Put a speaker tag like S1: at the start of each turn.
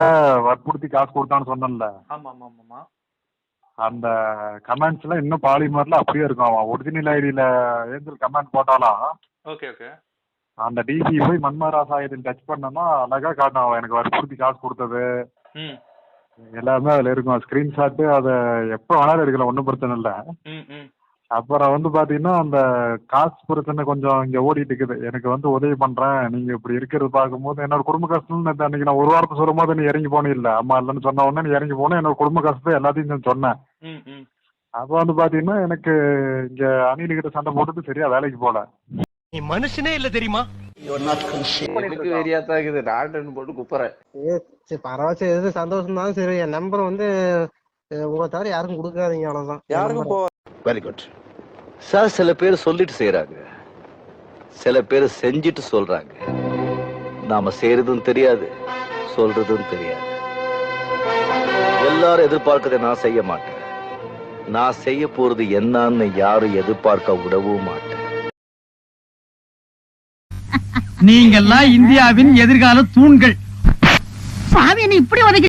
S1: வற்புறுத்தி காசு கொடுத்தான்னு சொன்னேன்ல.
S2: ஆமா ஆமா ஆமாமா.
S1: அந்த கமெண்ட்ஸ்ல இன்னும் பாலிமர்ல அப்படியே இருக்கும். அவன் ஒரிஜினல் ஐடியில ஏஞ்சல் கமெண்ட் போட்டாலாம்
S2: ஓகே ஓகே.
S1: அந்த டிசி போய் மன்மராசாயத்தில் டச் பண்ணனா அழகா காட்டும். அவன் எனக்கு வற்புறுத்தி காசு கொடுத்தது
S2: ம்
S1: எல்லாமே அதுல இருக்கும். ஸ்கிரீன்ஷாட்டு அதை எப்போ வேணாலும் எடுக்கலாம், ஒன்றும் பிரச்சனை இல்லை.
S2: ம் ம்.
S1: அப்புறம் வந்து பாத்தீங்கன்னா அந்த காசு பிரச்சனை கொஞ்சம் இங்க ஓடிட்டு இருக்குது. எனக்கு வந்து உதவி பண்றேன், நீங்க இப்படி இருக்கிறது பார்க்கும்போது என்னோட குடும்ப கஷ்டம்னு அன்னைக்கு நான் ஒரு வாரத்தை சொல்லும் போது நீ இறங்கி போனே இல்லை. அம்மா இல்லைன்னு சொன்ன உடனே நீ இறங்கி போனேன். என்னோட குடும்ப கஷ்டத்தை எல்லாத்தையும் நான் சொன்னேன்.
S2: ம் ம்.
S1: அப்ப வந்து பாத்தீங்கன்னா எனக்கு இங்க அணில் கிட்ட சண்டை போட்டுட்டு சரியா வேலைக்கு போல.
S3: நீ மனுஷனே இல்ல தெரியுமா?
S4: எனக்கு வெறியாத்தான் இருக்குது. நாட்டுன்னு போட்டு குப்புறேன்.
S5: பரவாயில்ல, எது சந்தோஷம் தான். சரி, என் நம்பர் வந்து உங்களை தவிர யாருக்கும் கொடுக்காதீங்க, அவ்வளவுதான்.
S4: யாருக்கும் போக.
S6: Very good sir. சில பேர் சொல்லிட்டு செய்யறாங்க, சில பேர் செஞ்சுட்டு சொல்றாங்க. நாம செய்யறதும் தெரியாது, சொல்றதும் தெரியாது. எல்லாரும் எதிர்பார்க்கறதை நான் செய்ய மாட்டேன். நான் செய்ய போறது என்னன்னு யாரும் எதிர்பார்க்க விடவும் மாட்டேன்.
S3: நீங்கெல்லாம் இந்தியாவின் எதிர்கால தூண்கள்.
S7: சாமி, என்ன இப்படி உதைக்க